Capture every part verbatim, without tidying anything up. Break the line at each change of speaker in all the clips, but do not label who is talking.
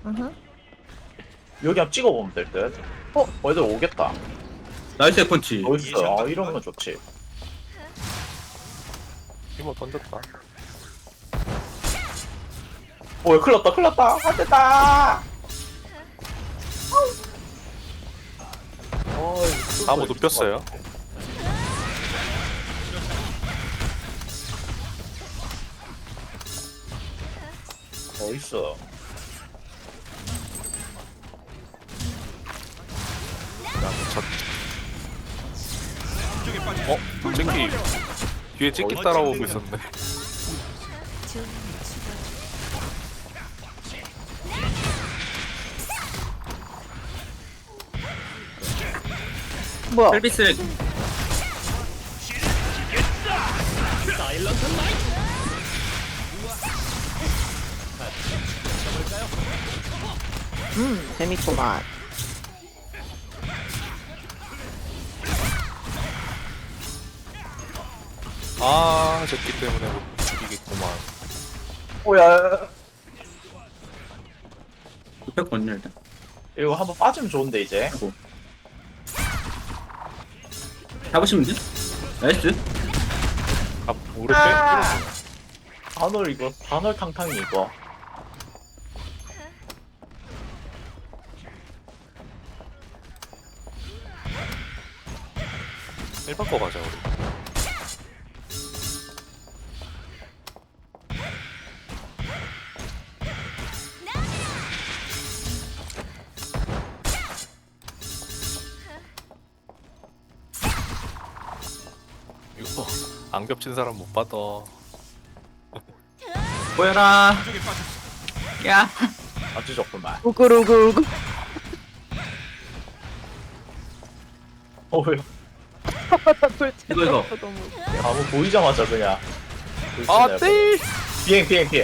으흠.
여기 한번 찍어보면 될 듯. 어? 어, 애들 오겠다.
나이스 펀치.
어딨어? 아, 이러면 좋지.
이모 던졌다.
오, 큰일 났다, 큰일 났다. 안 됐다. 어,
나무 눕혔어요.
어딨어?
어? 잭키 뒤에 잭키 따라오고 있었네.
뭐야?
헬비스
음, 재밌구만.
아 잭키 때문에 못 죽이겠구만.
오야.
눕혔거든요 일단.
이거 한번 빠지면 좋은데, 이제.
아이고. 잡으시면 돼? 나이스.
아 우리
아.
빼.
단월 이거, 단월 탕탕이 이거.
일반 거 가자 우리. 이거 안 겹친 사람 못 받아.
보여라. 야.
아주 좋구만.
우글우글우글.
어휴.
돌체
이거, 이거.
너무 웃겨.
아무 보이자마자 그냥.
아 떼.
비행, 비행, 비행.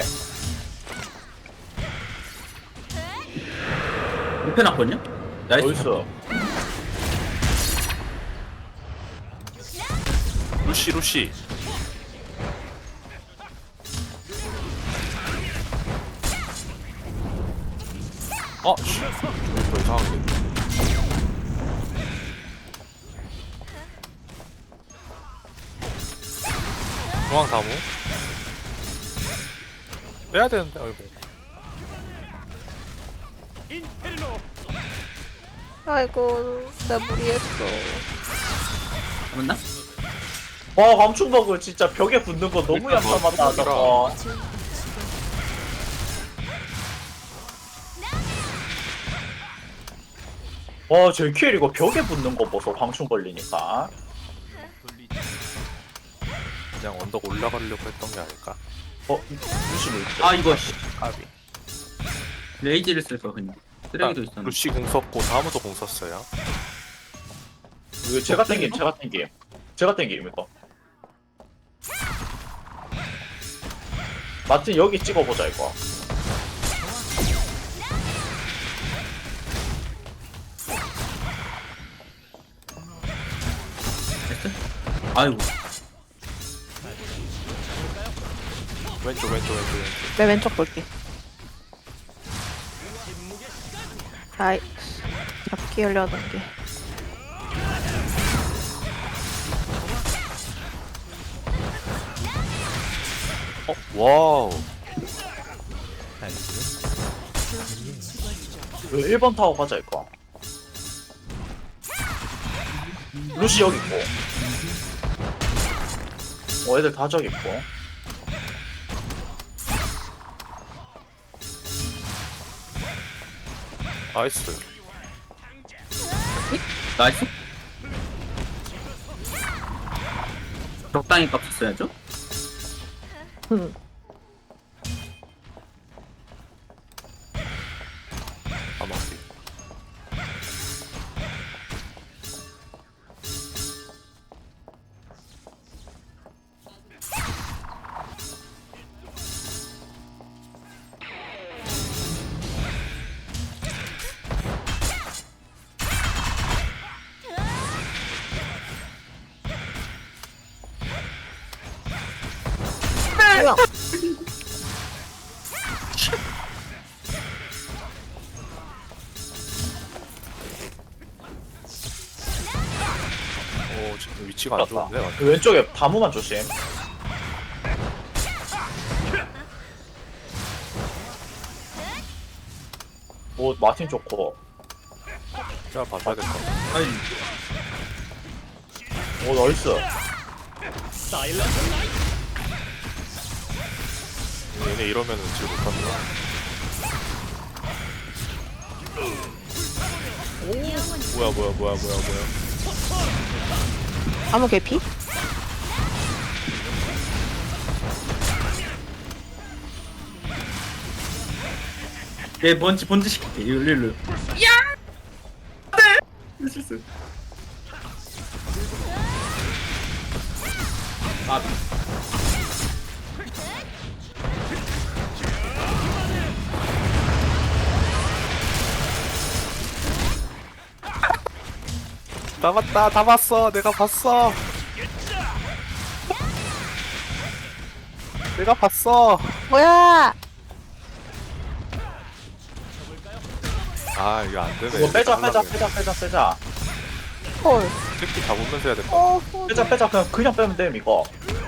눕혀놨거든요? 나이스.
어딨어?
루시 루시. 아 씨. 더 이상하게. 중앙 다무. 빼야 되는데 아이고.
아이고, 나 무리했어.
잡았나?
와, 광충버그 진짜 벽에 붙는 거 너무
일단 뭐,
얌전하다, 저거. 와, 제 킬 이거 벽에 붙는 거 보소, 광충 걸리니까.
그냥 언덕 올라가려고 했던 게 아닐까.
어, 루시로 있죠.
아 이거 씨.
까비.
레이지를 쓸거 그냥. 쓰레기도 있었네.
루시 공 썼고 다음도 공 썼어요.
이거 제가 땡김, 제가 땡김. 제가 땡김, 이거. 마틴 여기 찍어보자, 이거.
됐어? 아이고.
왼쪽 왼쪽 왼쪽 왼쪽.
내 왼쪽 볼게. 아이, 잡기 하려던 게.
어 와우.
이거 일 번 타고 가자, 이거. 루시 여기 있고. 어, 애들 다 저기 있고.
나이스.
나이스. 적당히 값 썼어야죠?
음.
아마비.
뭐야?
뭐지? 위치가 안 좋은데. 나.
그 왼쪽에 다무만 조심. 오 마틴 좋고.
야 봐줘야 될 것 같아.
아니
오 나이스.
얘네 이러면은 질 못한다. 뭐야 뭐야 뭐야 뭐야 뭐야.
아무 개피?
얘 번지 번지 시킬게 일로 일로 야! 네! 실수 아
다 봤다 다 봤어 내가 봤어. 내가 봤어.
뭐야?
아 이거 안 되네.
이거 빼자 빼자
하려고
빼자 빼자 빼자.
헐.
특히 다 보면서 해야 될 것 같아.
어, 어.
빼자 빼자 그냥 그냥 빼면 됨 이거.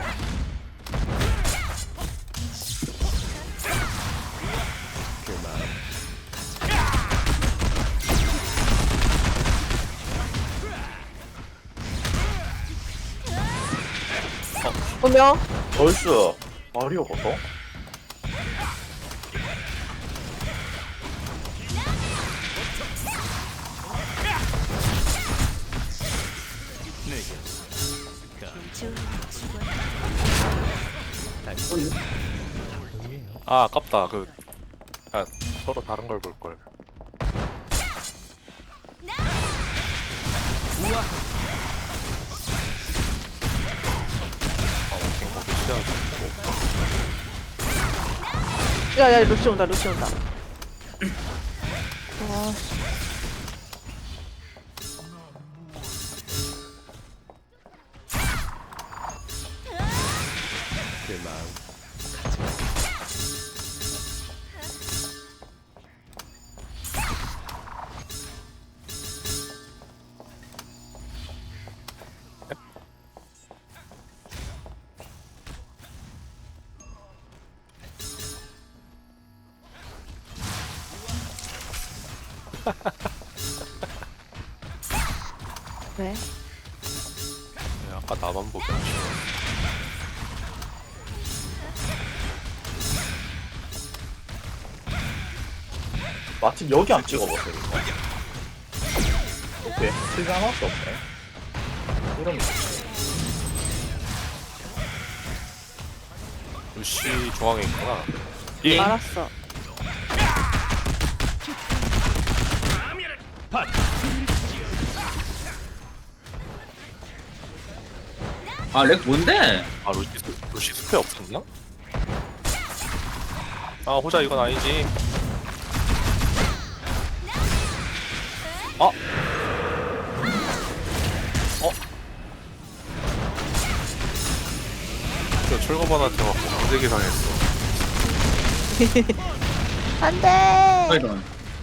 분명.
나이스. 마리오 버터.
아 아깝다. 그 아, 서로 다른 걸 볼 걸. 아 워킹 거기 시작하고.
야, 야, 루시 온다, 루시 온다. 와, 씨. 왜?
야, 아까 나만 보기 아쉬워.
마틴 여기 안 찍어보세요 이거. 오케이 실드 하나밖에 없네. 이러면 좋지.
루시 중앙에 있구나. 예.
알았어.
아 렉 뭔데?
아 루시 루시 숲에 없었나? 아 호자 이건 아니지. 어? 어? 저 철거반한테 맞고 강제기 당했어.
안 돼!
이런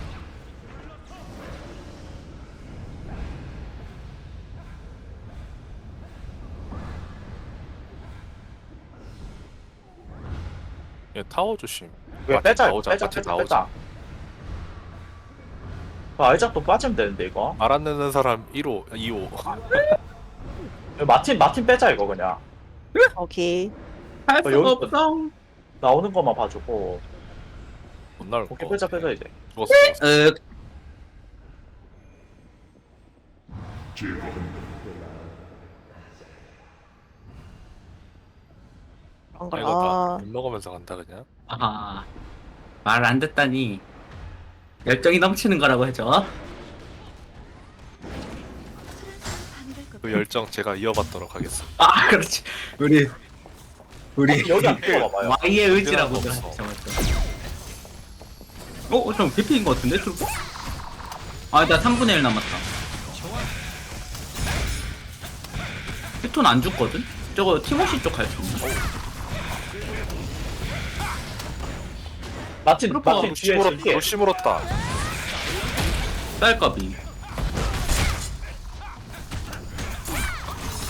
얘 타워 조심.
왜
마틴
빼자
나오자,
빼자
마틴
빼자
나오자.
빼자. 그 아이작도 빠지면 되는데 이거.
말 안 듣는 사람 일 호, 이 호.
마틴 마틴 빼자 이거 그냥.
오케이.
할
어,
수가
여기-
없어
나오는 것만 봐주고.
못 나올 거.
오케이 빼자 빼자 이제.
죽었어. 죽었어.
으
안
아,
가.
이거
아,
밥 먹으면서 간다 그냥.
아하 말 안 듣다니 열정이 넘치는 거라고 해줘
그 열정 제가 이어받도록 하겠습니다.
아 그렇지 우리 우리
여기 안 찍어봐봐요.
Y의 의지라고
없어.
그러죠 어? 어? 좀 개피인 거 같은데 트루퍼? 아나 삼분의 일 남았다 히톤 안 죽거든? 저거 티모시 쪽 갈 수 있나?
마틴
그렇구나.
마틴
루시
뒤에
물었다.
뒤에.
루시 물었다.
쌀값이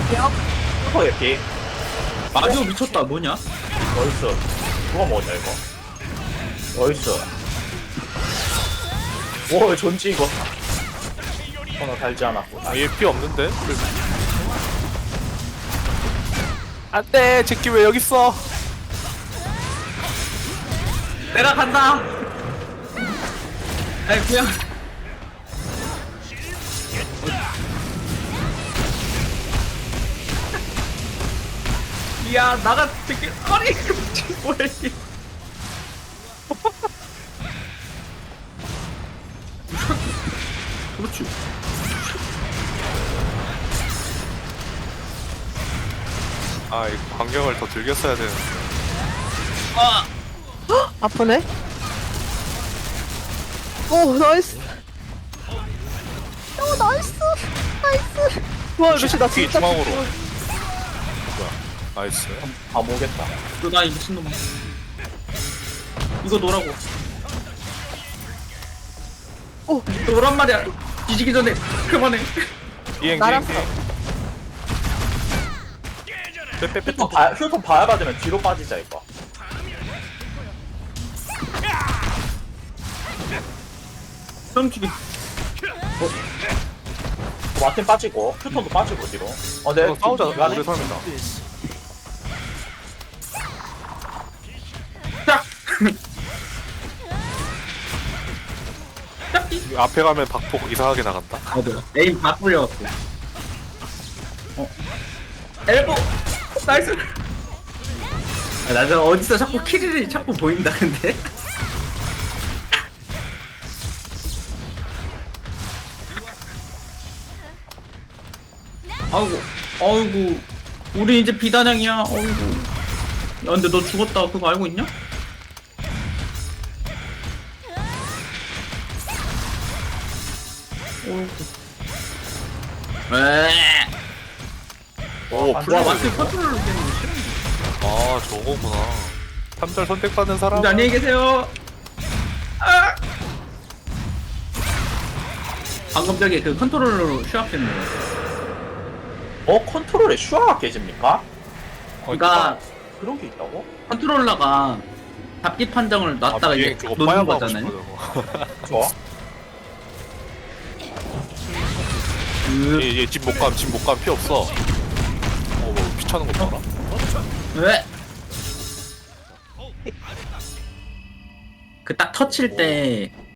슈퍼 예피.
마리오 미쳤다. 뭐냐?
어딨어? 누가 먹었냐 이거? 어딨어? 오 존지 이거. 하나 달지 않았고.
아, 얘 피 없는데? 안돼 제끼 왜 여기 있어?
내가 간다. 아니 그냥. 야 나가 되게 아니 뭐야 이게. 그렇지.
아 이 광경을 더 즐겼어야 되는데.
아
아프네. 오 나이스. 오 나이스. 나이스. 와 루시 나
뒤
진짜
중앙으로.
죽어.
뭐야? 나이스.
아 모겠다.
너나 이 미친놈아. 이거 놓으라고.
오
놓으란 말이야. 뒤지기 전에 그만해.
비행
나랑
비행 비행. 빼빼빼.
휴톤 봐 휴톤 봐야 받으면 뒤로 빠지자 이거.
썸치기.
마틴 빠지고 휴톤도 빠지고 뒤로. 어 네.
이거 싸우자.
미안해.
오래 살면다.
짝. 짝기.
앞에 가면 박폭 이상하게 나간다.
맞아. 에임 다 풀려갖고. 어. 엘보. 나이스. 아, 나는 어디서 자꾸 키리를 자꾸 보인다 근데. 아이고, 아이고, 우리 이제 비단양이야. 아이고. 야, 근데 너 죽었다. 그거 알고 있냐? 에.
오
아,
플레이.
와, 마트 컨트롤로 되는 거 싫어.
아 저거구나. 탐절 선택받는 사람.
근데 안녕히 계세요. 아! 방금 저기 그 컨트롤러로 슈압했네.
어 컨트롤에 슈아가 깨집니까?
그러니까
그런 게 있다고?
컨트롤러가 잡기 판정을 놨다가
아,
이제
비행 저거
놓는
빠야하고
거잖아요.
싶어 저거.
좋아.
그...
얘집 못 감, 집 못 감, 피 없어. 어, 뭐, 피 차는 거 봐라.
왜? 그 딱 터칠 때